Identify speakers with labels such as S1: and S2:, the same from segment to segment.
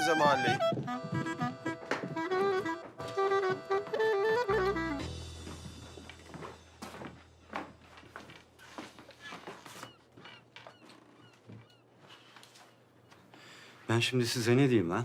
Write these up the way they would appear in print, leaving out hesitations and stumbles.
S1: bize mahalleyi.
S2: Ben şimdi size ne diyeyim lan?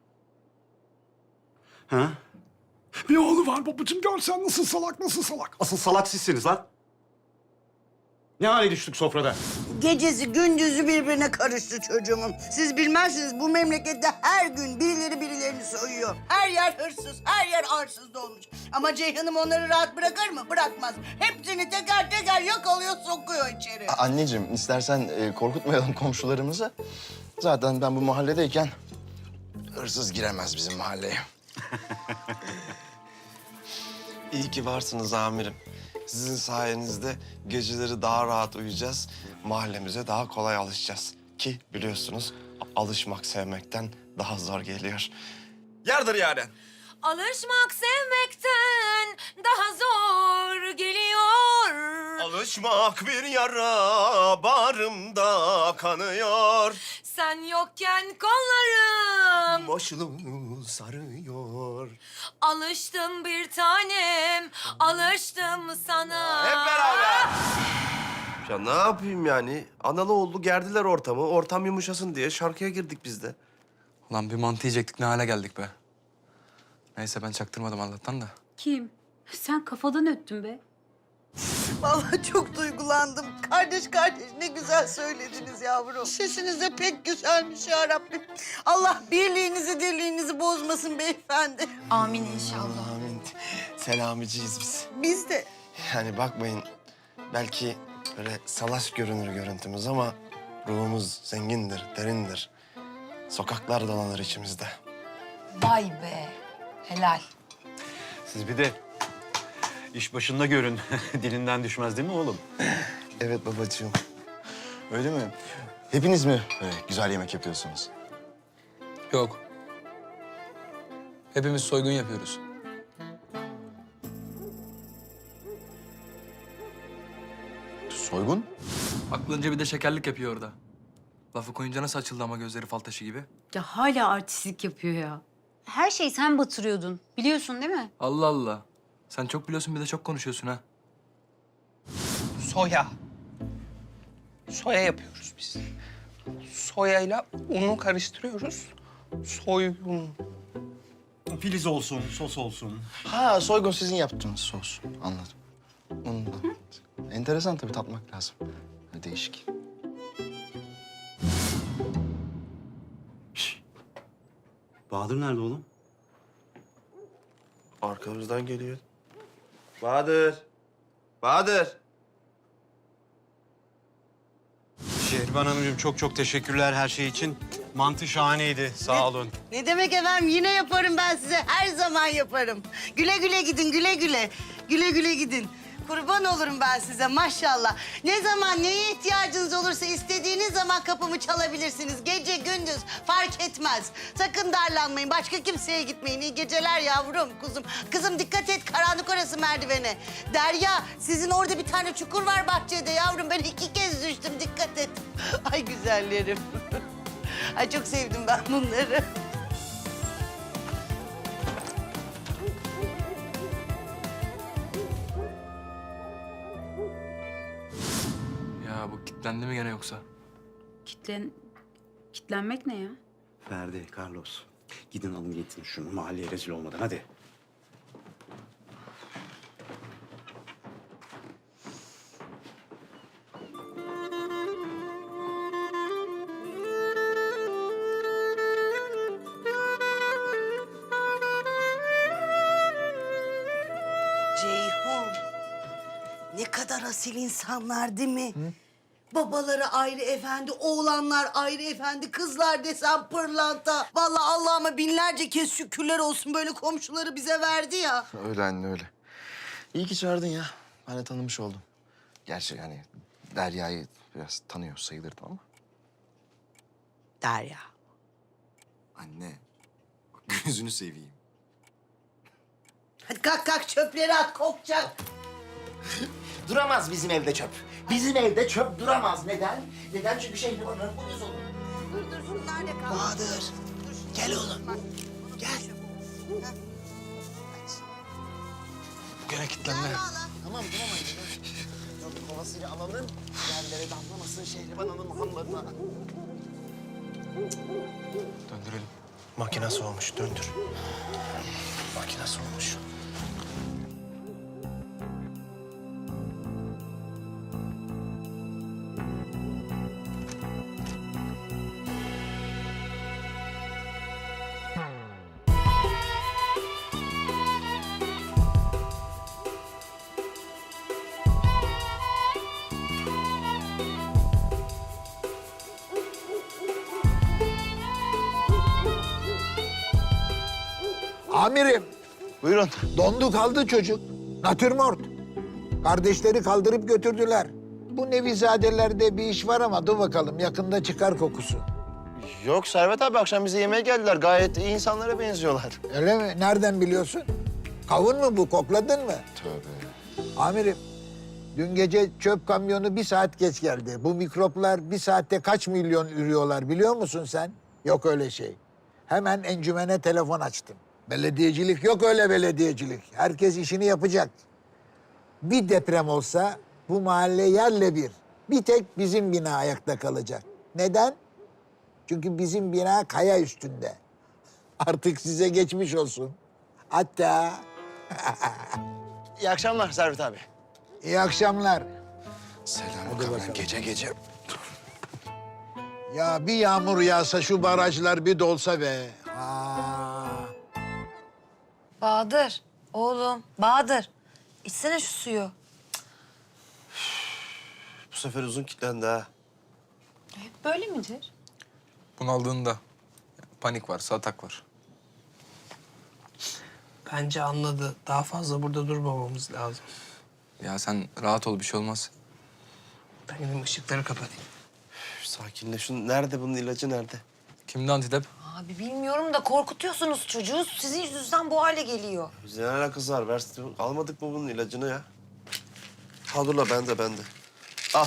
S2: Ha?
S3: Bir oğlu var babacığım, görsen nasıl salak, nasıl salak.
S2: Asıl salak sizsiniz lan. Ne hale düştük sofrada?
S4: Gecesi gündüzü birbirine karıştı çocuğumun. Siz bilmezsiniz, bu memlekette her gün birileri birilerini soyuyor. Her yer hırsız, her yer arsız dolmuş. Ama Ceyhan'ım onları rahat bırakır mı? Bırakmaz. Hepsini teker teker yakalıyor, sokuyor içeri.
S5: Anneciğim, istersen korkutmayalım komşularımızı. Zaten ben bu mahalledeyken hırsız giremez bizim mahalleye.
S1: İyi ki varsınız amirim. Sizin sayenizde geceleri daha rahat uyuyacağız. Mahallemize daha kolay alışacağız. Ki biliyorsunuz alışmak sevmekten daha zor geliyor. Yardır Yaren.
S6: Alışmak sevmekten daha zor geliyor.
S1: Alışmak bir yara bağrımda kanıyor.
S6: Sen yokken kollarım
S1: Başını sarıyor.
S6: alıştım bir tanem, alıştım sana.
S1: Hep beraber. Ya ne yapayım yani? Analı oğlu gerdiler ortamı. Ortam yumuşasın diye şarkıya girdik biz de.
S7: Ulan bir mantı yiyecektik, ne hale geldik be. Neyse ben çaktırmadım Allah'tan da.
S8: Kim? Sen kafadan öttün be.
S4: Vallahi çok duygulandım. Kardeş kardeş ne güzel söylediniz yavrum. Sesiniz de pek güzelmiş ya Rabbim. Allah birliğinizi dirliğinizi bozmasın beyefendi.
S8: Amin inşallah.
S1: Amin. Selamiciyiz biz.
S4: Biz de.
S1: Yani bakmayın, belki böyle salaş görünür görüntümüz ama ruhumuz zengindir, derindir. Sokaklar dolanır içimizde.
S8: Vay be. Helal.
S2: Siz bir de iş başında görün. Dilinden düşmez değil mi oğlum?
S1: Evet babacığım.
S5: Öyle mi? Hepiniz mi böyle güzel yemek yapıyorsunuz?
S7: Yok. Hepimiz soygun yapıyoruz.
S5: Soygun?
S7: Aklınca bir de şekerlik yapıyor orada. Lafı koyunca nasıl açıldı ama gözleri fal taşı gibi.
S8: Ya hala artistlik yapıyor ya. Her şeyi sen batırıyordun. Biliyorsun değil mi?
S7: Allah Allah. Sen çok biliyorsun bir de çok konuşuyorsun ha.
S9: Soya. Soya yapıyoruz biz. Soyayla unu karıştırıyoruz. Soyun.
S2: Filiz olsun, sos olsun.
S5: Ha, soygun sizin yaptığınız sos. Anladım. Ondan. Enteresan tabii, tatmak lazım. Değişik.
S2: Bahadır nerede oğlum?
S1: Arkamızdan geliyor. Bahadır. Bahadır.
S2: Şehriban Hanımcığım çok teşekkürler her şey için. Mantı şahaneydi. Sağ olun.
S4: Ne demek efendim, yine yaparım ben size. Her zaman yaparım. Güle güle gidin, güle güle. Güle güle gidin. Kurban olurum ben size maşallah. Ne zaman neye ihtiyacınız olursa istediğiniz zaman kapımı çalabilirsiniz. Gece gündüz fark etmez. Sakın darlanmayın. Başka kimseye gitmeyin. İyi geceler yavrum, kuzum. Kızım dikkat et, karanlık orası merdivene. Derya, sizin orada bir tane çukur var bahçede yavrum. Ben 2 kez düştüm, dikkat et. Ay güzellerim. Ay çok sevdim ben bunları.
S7: Ya bu kilitlendi mi gene yoksa?
S8: Kitlenmek ne ya?
S2: Ferdi, Carlos. Gidin alın getirin şunu mahalleye rezil olmadan hadi.
S4: Ceyhun, ne kadar asil insanlar değil mi? Babaları ayrı efendi, oğlanlar ayrı efendi, kızlar desem pırlanta. Vallahi Allah'ıma binlerce kez şükürler olsun böyle komşuları bize verdi ya.
S5: Öyle anne, öyle. İyi ki çağırdın ya. Ben de tanımış oldum. Gerçi yani Derya'yı biraz tanıyor sayılırdım ama.
S4: Derya.
S5: Anne, bak gözünü seveyim.
S4: Hadi kalk kalk, çöpleri at, kokacak.
S10: Duramaz bizim evde çöp. Bizim evde çöp duramaz. Neden? Neden? Çünkü Şehriban'ın uyuz olur.
S4: Dur dur, şunlar ne kaldı?
S10: Bahadır, Gel oğlum. Gel.
S7: Gene kilitlendi.
S10: Tamam anne. Dur kovasıyla alalım. Yerlere damlamasın Şehriban Hanım hanlarına.
S7: Döndürelim.
S1: Makine soğumuş, döndür. Makine soğumuş.
S11: Amirim,
S1: Buyurun.
S11: dondu kaldı çocuk. Natürmort. Kardeşleri kaldırıp götürdüler. Bu Nevizadelerde bir iş var ama dur bakalım yakında çıkar kokusu.
S1: Yok Servet abi, akşam bize yemeğe geldiler. Gayet iyi insanlara benziyorlar.
S11: Öyle mi? Nereden biliyorsun? Kavun mu bu? Kokladın mı?
S1: Tövbe.
S11: Amirim, dün gece çöp kamyonu 1 saat geç geldi. Bu mikroplar 1 saatte kaç milyon ürüyorlar biliyor musun sen? Yok öyle şey. Hemen encümene telefon açtım. Belediyecilik yok öyle belediyecilik. Herkes işini yapacak. Bir deprem olsa bu mahalle yerle bir. Bir tek bizim bina ayakta kalacak. Neden? Çünkü bizim bina kaya üstünde. Artık size geçmiş olsun. Hatta
S1: İyi akşamlar Servet abi.
S11: iyi akşamlar.
S1: Selam gece gece.
S11: Ya bir yağmur yağsa şu barajlar bir dolsa be. Aa.
S6: Bahadır, oğlum, Bahadır. İçsene şu suyu.
S1: Bu sefer uzun kilitlendi ha.
S8: Hep böyle midir?
S7: Bunaldığında panik var, atak var.
S9: Bence anladı. Daha fazla burada durmamamız lazım.
S7: Ya sen rahat ol, bir şey olmaz.
S9: Ben gideyim ışıkları kapatayım.
S1: Sakinle. Nerede bunun ilacı nerede?
S7: Kimde antidep?
S6: Abi bilmiyorum da korkutuyorsunuz çocuğu. Sizin yüzünüzden bu hale geliyor.
S1: Bize ne alakası var? Almadık mı bunun ilacını ya? Ha dur la bende. Al.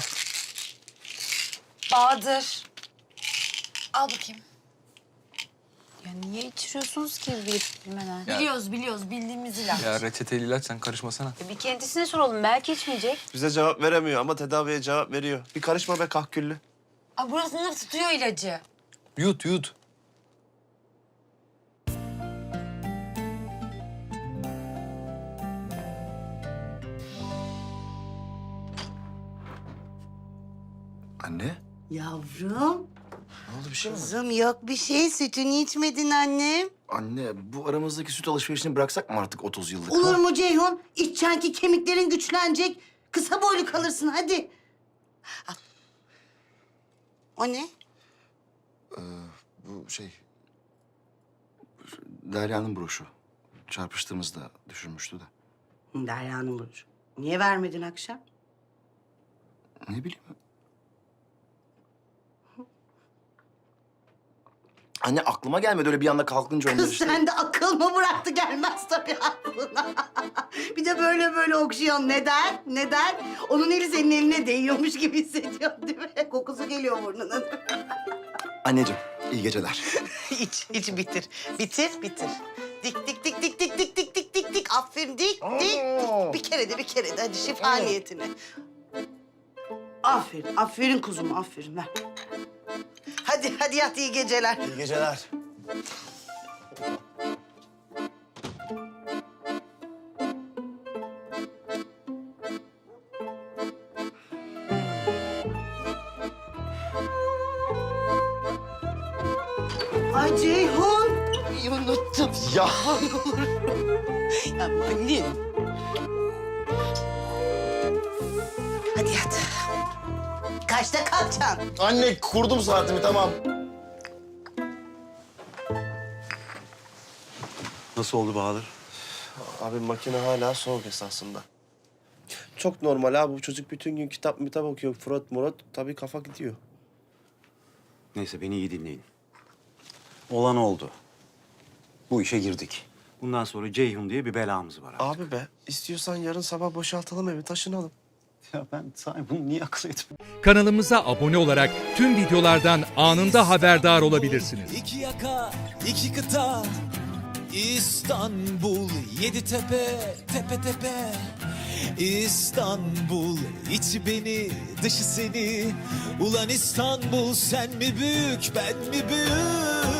S6: Bahadır. Al bakayım.
S8: Ya niye içiriyorsunuz ki bilmeden?
S6: Biliyoruz. Bildiğimiz ilaç.
S7: Ya reçeteli ilaç, sen karışmasana.
S8: Bir kendisine soralım. Belki içmeyecek.
S1: Bize cevap veremiyor ama tedaviye cevap veriyor. Bir karışma be kahküllü.
S6: Aa, burasını tutuyor ilacı.
S7: Yut.
S5: Anne,
S4: Yavrum,
S5: ne oldu bir şey mi?
S4: kızım yok bir şey. Sütünü içmedin annem.
S5: Anne, bu aramızdaki süt alışverişini bıraksak mı artık 30 yıllık?
S4: Olur mu Ceyhun? İçeceksin ki kemiklerin güçlenecek. Kısa boylu kalırsın hadi. Al. O ne?
S5: Bu şey... Derya'nın broşu. Çarpıştığımızda düşürmüştü de.
S4: Derya'nın burcu. Niye vermedin akşam?
S5: Ne bileyim. Anne aklıma gelmedi öyle bir anda kalkınca onlar
S4: Kız
S5: işte.
S4: sen de akıl mı bıraktı gelmez tabii aklına. Bir de böyle okşuyorsun. Neden? Onun eli senin eline değiyormuş gibi hissediyorsun değil mi? Kokusu geliyor burnunun.
S5: Anneciğim, iyi geceler.
S4: İç bitir. Bitir. Dik. Aferin dik. Bir kere de hadi şifa niyetine. Aferin kuzum aferin ver. Hadi yat iyi geceler.
S1: İyi geceler.
S4: Ay Ceyhun. İyi unuttum.
S1: Ya.
S4: Ya annem. Hadi yat. Kaçta kalkacaksın?
S1: Anne kurdum saatimi tamam.
S2: Nasıl oldu Bahadır?
S1: Abi makine hala soğuk esasında. Çok normal abi. Bu çocuk bütün gün kitap okuyor. Fırat Murat tabii kafa gidiyor.
S2: Neyse beni iyi dinleyin. Olan oldu. Bu işe girdik. Bundan sonra Ceyhun diye bir belamız var artık.
S1: Abi be istiyorsan yarın sabah boşaltalım evi taşınalım.
S2: Ya ben sahi bunu niye akıl etmedim?
S12: Kanalımıza abone olarak tüm videolardan anında haberdar olabilirsiniz.
S13: İki yaka, iki kıta, İstanbul, yedi tepe, tepe tepe. İstanbul, içi beni, dışı seni. Ulan İstanbul, sen mi büyük, ben mi büyük?